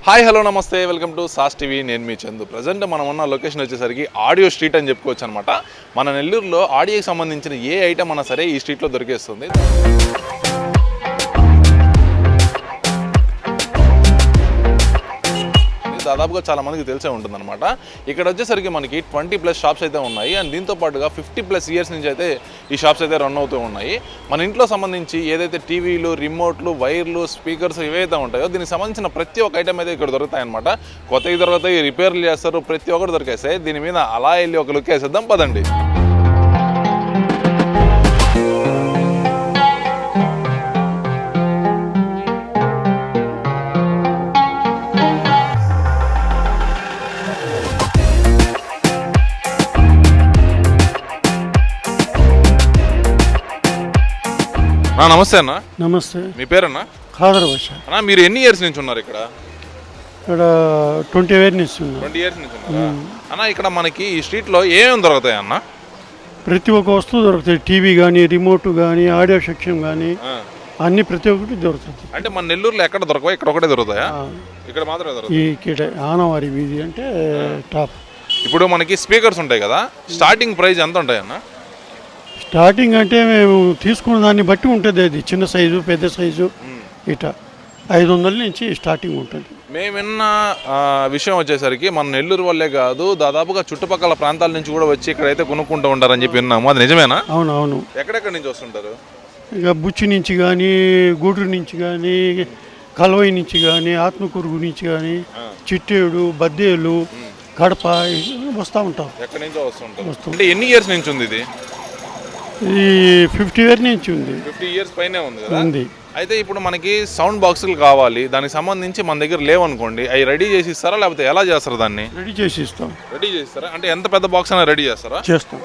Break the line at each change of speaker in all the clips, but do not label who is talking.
Hi hello నమస్తే welcome to Sas TV. నేను మీ చందు. ప్రజెంట్ మనం ఉన్న లొకేషన్ వచ్చేసరికి ఆడియో స్ట్రీట్ అని చెప్పుకోవచ్చు అనమాట. మన నెల్లూరులో ఆడియోకి సంబంధించిన ఏ ఐటమ్ అన్నా సరే ఈ స్ట్రీట్లో దొరికేస్తుంది. దాదాపుగా చాలా మందికి తెలిసే ఉంటుందన్నమాట. ఇక్కడ వచ్చేసరికి మనకి 20+ షాప్స్ అయితే ఉన్నాయి. అండ్ దీంతో పాటుగా 50+ ఇయర్స్ నుంచి అయితే ఈ షాప్స్ అయితే రన్ అవుతూ ఉన్నాయి. మన ఇంట్లో సంబంధించి ఏదైతే టీవీలు, రిమోట్లు, వైర్లు, స్పీకర్స్ ఇవైతే ఉంటాయో దీనికి సంబంధించిన ప్రతి ఒక్క ఐటమ్ అయితే ఇక్కడ దొరుకుతాయన్నమాట. కొత్తవి దొరుకుతాయి, రిపేర్లు చేస్తారు, ప్రతి ఒక్కటి దొరికేస్తాయి. దీని మీద అలా వెళ్ళి ఒక లుక్ వేసేద్దాం పదండి. నమస్తే అన్న.
నమస్తే.
మీ పేరన్నా?
ఖాదర్ భాష.
అన్న మీరు ఎన్ని ఇయర్స్ నుంచి ఉన్నారు ఇక్కడ?
ఇక్కడ 20 ఇయర్స్ నుంచి ఉన్నా.
20 ఇయర్స్ నుంచి ఉన్నారా అన్న? ఇక్కడ మనకి ఈ స్ట్రీట్లో ఏమేమి దొరుకుతాయి అన్న?
ప్రతి ఒక్క వస్తువు దొరుకుతాయి. టీవీ కానీ, రిమోట్ కానీ, ఆడియో సెక్షన్ కానీ అన్ని ప్రతి ఒక్కటి దొరుకుతుంది.
అంటే మన నెల్లూరులో ఎక్కడ దొరకవా? ఇక్కడ ఒకటే దొరుకుతాయా? ఇక్కడ మాత్రమే దొరుకుతాయి.
ఇక్కడ ఆనవారి వీధి అంటే టాప్.
ఇప్పుడు మనకి స్పీకర్స్ ఉంటాయి కదా, స్టార్టింగ్ ప్రైస్ ఎంత ఉంటాయి అన్న?
స్టార్టింగ్ అంటే మేము తీసుకున్న దాన్ని బట్టి ఉంటుంది. అది చిన్న సైజు, పెద్ద సైజు ఇట 500 నుంచి స్టార్టింగ్ ఉంటుంది.
మేము విన్న విషయం వచ్చేసరికి మన నెల్లూరు వల్లే కాదు, దాదాపుగా చుట్టుపక్కల ప్రాంతాల నుంచి కూడా వచ్చి ఇక్కడైతే కొనుక్కుంటూ ఉంటారని చెప్పి విన్నాము. అది నిజమేనా?
అవును.
ఎక్కడెక్కడి నుంచి వస్తుంటారు?
ఇక బుచ్చి నుంచి కానీ, గూడూరు నుంచి కానీ, కల్వై నుంచి కానీ, ఆత్మకూరు నుంచి కానీ, చిట్టేడు, బద్దేలు, కడప వస్తూ ఉంటాం.
ఎక్కడి నుంచో వస్తుంటారు. అంటే ఎన్ని ఇయర్స్ నుంచి ఉంది ఇది?
ఇది 50 ఇయర్స్ నుంచి ఉంది.
50 ఇయర్స్ పైనే ఉంది కదా. అయితే ఇప్పుడు మనకి సౌండ్ బాక్సులు కావాలి, దానికి సంబంధించి మన దగ్గర లేవనుకోండి, అవి రెడీ చేసి ఇస్తారా లేకపోతే ఎలా చేస్తారు? దాన్ని
రెడీ చేసి ఇస్తాం.
రెడీ చేస్తారా? అంటే ఎంత పెద్ద బాక్స్ అయినా రెడీ చేస్తారా?
చేస్తాం.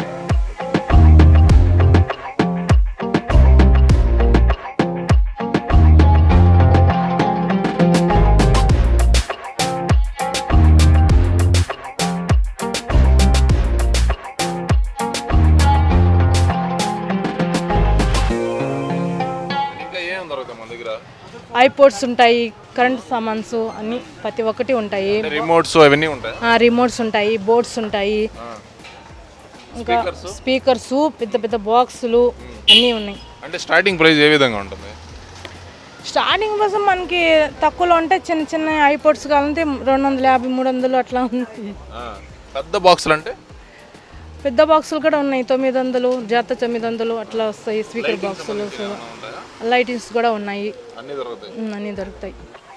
ఐపోడ్స్ ఉంటాయి, కరెంట్ సామాన్స్ అన్ని ప్రతి ఒక్కటి ఉంటాయి.
రిమోట్స్ అవన్నీ ఉంటాయి.
రిమోట్స్ ఉంటాయి, బోర్డ్స్ ఉంటాయి, ఇంకా స్పీకర్స్, పెద్ద పెద్ద బాక్సులు అన్నీ ఉన్నాయి.
అంటే స్టార్టింగ్ ప్రైస్ ఏ విధంగా ఉంటుంది?
స్టార్టింగ్ కోసం మనకి తక్కువలో ఉంటే చిన్న చిన్న ఐపోడ్స్ కావాలంటే 250, 300 అట్లా ఉంది.
పెద్ద బాక్సులు అంటే?
పెద్ద బాక్సులు కూడా ఉన్నాయి, 900, జాత 900 అట్లా వస్తాయి. స్పీకర్ బాక్సులు, లైటింగ్స్ కూడా ఉన్నాయి, అన్నీ దొరుకుతాయి.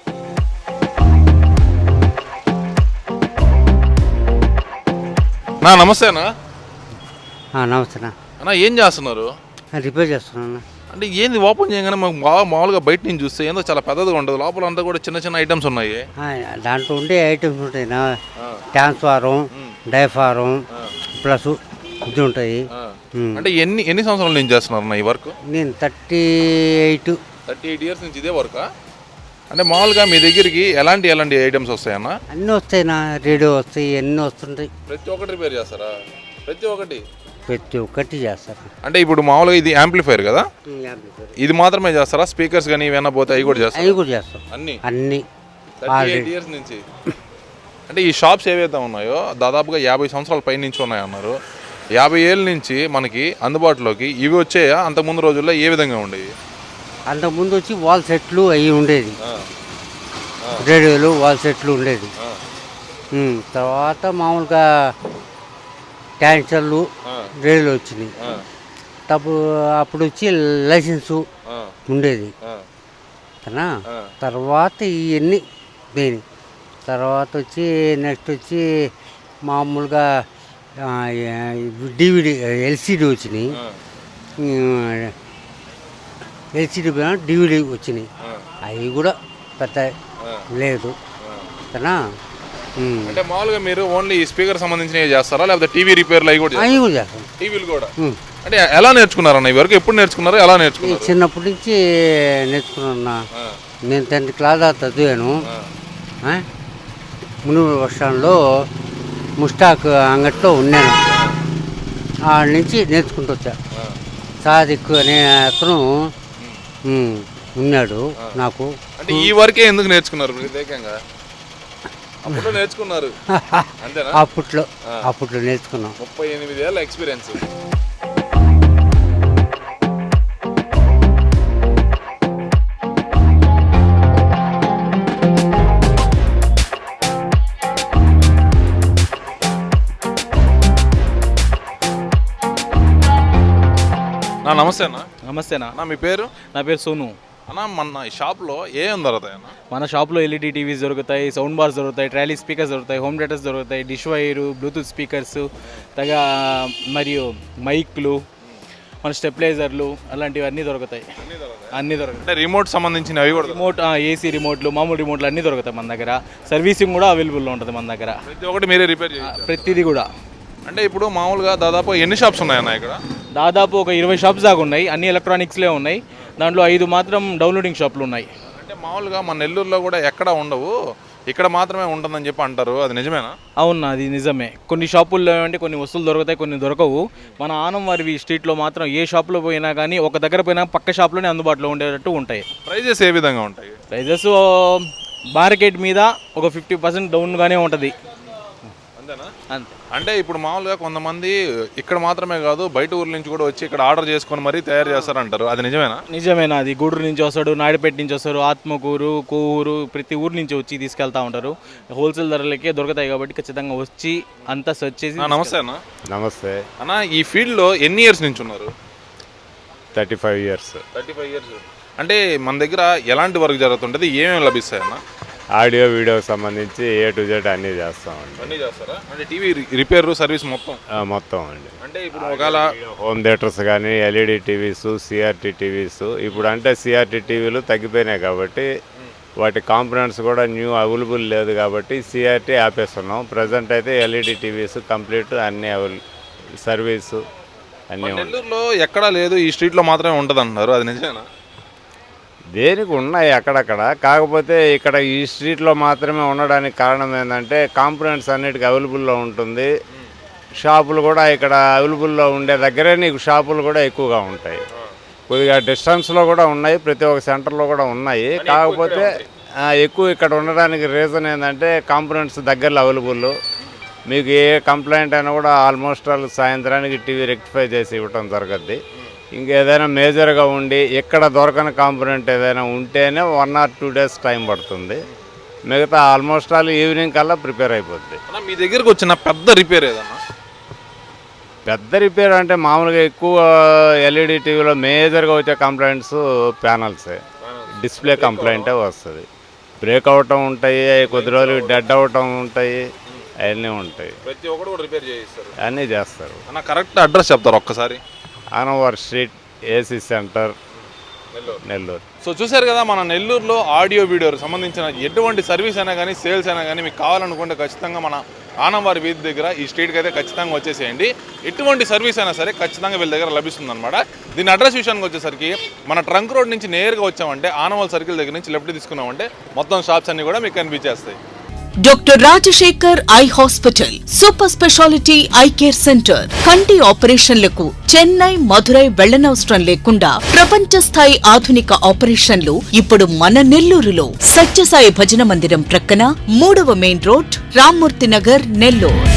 నమస్తే అన్న.
నమస్తే
అన్న, ఏం చేస్తున్నారు?
రిపేర్ చేస్తున్నాను.
అంటే ఏంది ఓపెన్ చేయగానే మాకు మామూలుగా బయట నుంచి చూస్తే ఏందో చాలా పెద్దదిగా ఉంటుంది, లోపల అంతా కూడా చిన్న చిన్న ఐటమ్స్ ఉన్నాయి.
దాంట్లో ఉండే ఐటమ్స్ ఉంటాయి. ట్రాన్స్ఫారం, డైఫారం ప్లస్ ఇది ఉంటాయి.
అంటే ఎన్ని సంవత్సరాల నుంచి చేస్తున్నారు ఈ వర్క్?
నేను 38
ఇయర్స్ నుంచి ఇదే వర్క్. అంటే మామూలుగా మీ దగ్గరికి ఎలాంటి ఐటమ్స్ వస్తాయన్న?
అన్నీ వస్తాయి. రేడియో వస్తాయి, అన్నీ వస్తుంటాయి.
ప్రతి ఒక్కటి రిపేర్ చేస్తారా? ప్రతి ఒక్కటి చేస్తారు. అంటే ఇప్పుడు మామూలుగా ఇది యాంప్లిఫైర్ కదా, ఇది మాత్రమే చేస్తారా? స్పీకర్స్ కానీ ఇవన్నీ పోతే అవి కూడా
చేస్తారు. అన్ని
38 ఇయర్స్ నుంచి. అంటే ఈ షాప్స్ ఏవైతే ఉన్నాయో దాదాపుగా 50 సంవత్సరాల పై నుంచి ఉన్నాయన్నారు. 50 ఏళ్ళ నుంచి మనకి అందుబాటులోకి ఇవి వచ్చాయా? అంతకుముందు రోజుల్లో ఏ విధంగా ఉండేవి?
అంతకుముందు వచ్చి వాల్ సెట్లు అవి ఉండేది, రేడియోలు వాల్ సెట్లు ఉండేది. తర్వాత మామూలుగా క్యాన్సర్లు, రేడియోలు వచ్చినాయి. అప్పుడు వచ్చి లైసెన్సు ఉండేది కదా. తర్వాత ఇవన్నీ దేని తర్వాత వచ్చి నెక్స్ట్ వచ్చి మామూలుగా డివిడి, ఎల్సిడి వచ్చినాయి. ఎల్సిడి డివిడి వచ్చినాయి. అవి కూడా పెద్ద లేదు కదా.
అంటే మామూలుగా మీరు ఓన్లీ ఈ స్పీకర్ సంబంధించినవి చేస్తారా లేకపోతే టీవీ రిపేర్లు అవి కూడా
చేస్తాం?
టీవీలు కూడా. అంటే ఎలా నేర్చుకున్నారన్న ఈ వరకు? ఎప్పుడు నేర్చుకున్నారు? ఎలా నేర్చుకున్నారు?
చిన్నప్పటి నుంచి నేర్చుకున్నా. నేను 10th క్లాస్ చదివాను. మునుగోడు బస్ స్టాండ్లో ముస్టాక్ అంగట్లో ఉన్నాను. ఆడ నుంచి నేర్చుకుంటూ వచ్చా. సాదిక్ అనే అతను ఉన్నాడు నాకు.
అంటే ఈ వరకే ఎందుకు నేర్చుకున్నారు ప్రత్యేకంగా? అప్పుడు నేర్చుకున్నారు అంతేనా?
అప్పట్లో నేర్చుకున్నాం.
38 ఏళ్ళ ఎక్స్పీరియన్స్. నమస్తే అన్న.
నమస్తేనా.
అన్న మీ పేరు?
నా పేరు సోను.
అన్న మన ఈ షాప్లో ఏం దొరుకుతాయి అన్న?
మన షాప్లో ఎల్ఈడి టీవీస్ దొరుకుతాయి, సౌండ్ బార్స్ దొరుకుతాయి, ట్రాలీ స్పీకర్స్ దొరుకుతాయి, హోమ్ థియేటర్స్ దొరుకుతాయి, డిష్ వైరు, బ్లూటూత్ స్పీకర్స్ మరియు మైక్లు, మన స్టెప్లైజర్లు అలాంటివన్నీ దొరుకుతాయి. అన్నీ దొరుకుతాయి.
అంటే రిమోట్ సంబంధించిన అవి కూడా
రిమోట్, ఏసీ రిమోట్లు, మామూలు రిమోట్లు అన్నీ దొరుకుతాయి మన దగ్గర. సర్వీసింగ్ కూడా అవైలబుల్లో ఉంటుంది మన దగ్గర.
ప్రతి ఒక్కటి మీరే రిపేర్ చేయాలి?
ప్రతిదీ కూడా.
అంటే ఇప్పుడు మామూలుగా దాదాపు ఎన్ని షాప్స్ ఉన్నాయన్న ఇక్కడ?
దాదాపు ఒక 20 షాప్స్ దాకా ఉన్నాయి. అన్ని ఎలక్ట్రానిక్స్లే ఉన్నాయి. దాంట్లో 5 మాత్రం డౌన్లోడింగ్ షాపులు ఉన్నాయి.
అంటే మామూలుగా మన నెల్లూరులో కూడా ఎక్కడ ఉండవు, ఇక్కడ మాత్రమే ఉంటుందని చెప్పి అంటారు, అది నిజమేనా?
అవునా, అది నిజమే. కొన్ని షాపుల్లో అంటే కొన్ని వస్తువులు దొరుకుతాయి, కొన్ని దొరకవు. మన ఆనంవారి స్ట్రీట్లో మాత్రం ఏ షాప్లో పోయినా కానీ ఒక దగ్గర పోయినా పక్క షాప్లోనే అందుబాటులో ఉండేటట్టు ఉంటాయి.
ప్రైజెస్ ఏ విధంగా ఉంటాయి?
ప్రైజెస్ మార్కెట్ మీద ఒక 50% డౌన్గానే ఉంటుంది.
అంతేనా?
అంతే.
అంటే ఇప్పుడు మామూలుగా కొంతమంది ఇక్కడ మాత్రమే కాదు బయట ఊర్ల నుంచి కూడా వచ్చి ఇక్కడ ఆర్డర్ చేసుకొని మరీ తయారు చేస్తారంటారు, అది నిజమేనా?
నిజమేనా. అది గూడూరు నుంచి వస్తాడు, నాయుడుపేట నుంచి వస్తారు, ఆత్మకూరు, కోవూరు, ప్రతి ఊరు నుంచి వచ్చి తీసుకెళ్తా ఉంటారు. హోల్సేల్ ధరలకే దొరుకుతాయి కాబట్టి ఖచ్చితంగా వచ్చి అంతా సెర్చ్ చేసి.
నమస్తే అన్న.
నమస్తే
అన్న. ఈ ఫీల్డ్లో ఎన్ని ఇయర్స్ నుంచి ఉన్నారు?
35 ఇయర్స్.
35 ఇయర్స్. అంటే మన దగ్గర ఎలాంటి వర్క్ జరుగుతుంటుంది, ఏమేమి లభిస్తాయి అన్న?
ఆడియో వీడియోకి సంబంధించి A to Z అన్నీ చేస్తామండి.
అన్నీ చేస్తారా? అంటే టీవీ రిపేర్ సర్వీస్ మొత్తం?
మొత్తం అండి.
అంటే ఇప్పుడు ఒకవేళ
హోమ్ థియేటర్స్ కానీ, LED టీవీస్, CRT టీవీస్. ఇప్పుడు అంటే CRT టీవీలు తగ్గిపోయినాయి కాబట్టి వాటి కాంపోనెంట్స్ కూడా న్యూ అవైలబుల్ లేదు కాబట్టి CRT ఆపేస్తున్నాం. ప్రజెంట్ అయితే LED టీవీస్ కంప్లీట్ అన్నీ సర్వీసు అన్నీ ఉంటాయి.
నెల్లూరులో ఎక్కడా లేదు, ఈ స్ట్రీట్లో మాత్రమే ఉంటుంది అంటున్నారు, అది నిజమేనా?
దేనికి ఉన్నాయి అక్కడక్కడ, కాకపోతే ఇక్కడ ఈ స్ట్రీట్లో మాత్రమే ఉండడానికి కారణం ఏంటంటే కాంపోనెంట్స్ అన్నిటికీ అవైలబుల్లో ఉంటుంది. షాపులు కూడా ఇక్కడ అవైలబుల్లో ఉండే దగ్గరే నీకు షాపులు కూడా ఎక్కువగా ఉంటాయి. కొద్దిగా డిస్టెన్స్లో కూడా ఉన్నాయి, ప్రతి ఒక్క సెంటర్లో కూడా ఉన్నాయి. కాకపోతే ఎక్కువ ఇక్కడ ఉండడానికి రీజన్ ఏంటంటే కాంపోనెంట్స్ దగ్గరలో అవైలబుల్. మీకు ఏ కంప్లైంట్ అయినా కూడా ఆల్మోస్ట్ ఆల్ సాయంత్రానికి టీవీ రెక్టిఫై చేసి ఇవ్వటం జరుగుద్ది. ఇంకేదైనా మేజర్గా ఉండి ఎక్కడ దొరకని కాంపోనెంట్ ఏదైనా ఉంటేనే 1 or 2 days టైం పడుతుంది. మిగతా ఆల్మోస్ట్ ఆల్ ఈవినింగ్ కల్లా ప్రిపేర్ అయిపోద్ది.
మీ దగ్గరకు వచ్చిన పెద్ద రిపేర్ ఏదన్నా?
పెద్ద రిపేర్ అంటే మామూలుగా ఎక్కువ LED టీవీలో మేజర్గా వచ్చే కంప్లైంట్స్ ప్యానల్సే, డిస్ప్లే కంప్లైంటే వస్తుంది. బ్రేక్ అవటం ఉంటాయి, కొద్ది రోజులు డెడ్ అవటం ఉంటాయి, అవన్నీ ఉంటాయి.
ప్రతి ఒక్కరు కూడా రిపేర్ చేయిస్తారు,
అన్నీ చేస్తారు.
అన్న కరెక్ట్ అడ్రస్ చెప్తారు ఒక్కసారి?
ఆనవార్ street, AC centre, Nellore.
So చూసారు కదా, మన నెల్లూరులో ఆడియో వీడియోకి సంబంధించిన ఎటువంటి సర్వీస్ అయినా కానీ, సేల్స్ అయినా కానీ మీకు కావాలనుకుంటే ఖచ్చితంగా మన ఆనంవారి వీధి దగ్గర ఈ స్ట్రీట్కి అయితే ఖచ్చితంగా వచ్చేసేయండి. ఎటువంటి సర్వీస్ అయినా సరే ఖచ్చితంగా వీళ్ళ దగ్గర లభిస్తుంది అనమాట. దీని అడ్రస్ విషయానికి వచ్చేసరికి మన ట్రంక్ రోడ్ నుంచి నేరుగా వచ్చామంటే ఆనవాల్ సర్కిల్ దగ్గర నుంచి లెఫ్ట్ తీసుకున్నామంటే మొత్తం షాప్స్ అన్ని కూడా మీకు కనిపించేస్తాయి.
Doctor Rajasekhar eye hospital, super speciality eye care centre. కంటి ఆపరేషన్లకు చెన్నై, మధురై వెళ్లనవసరం లేకుండా ప్రపంచ స్థాయి ఆధునిక ఆపరేషన్లు ఇప్పుడు మన నెల్లూరులో. సత్యసాయి భజన మందిరం ప్రక్కన 3వ మెయిన్ రోడ్, రామ్మూర్తి నగర్, నెల్లూరు.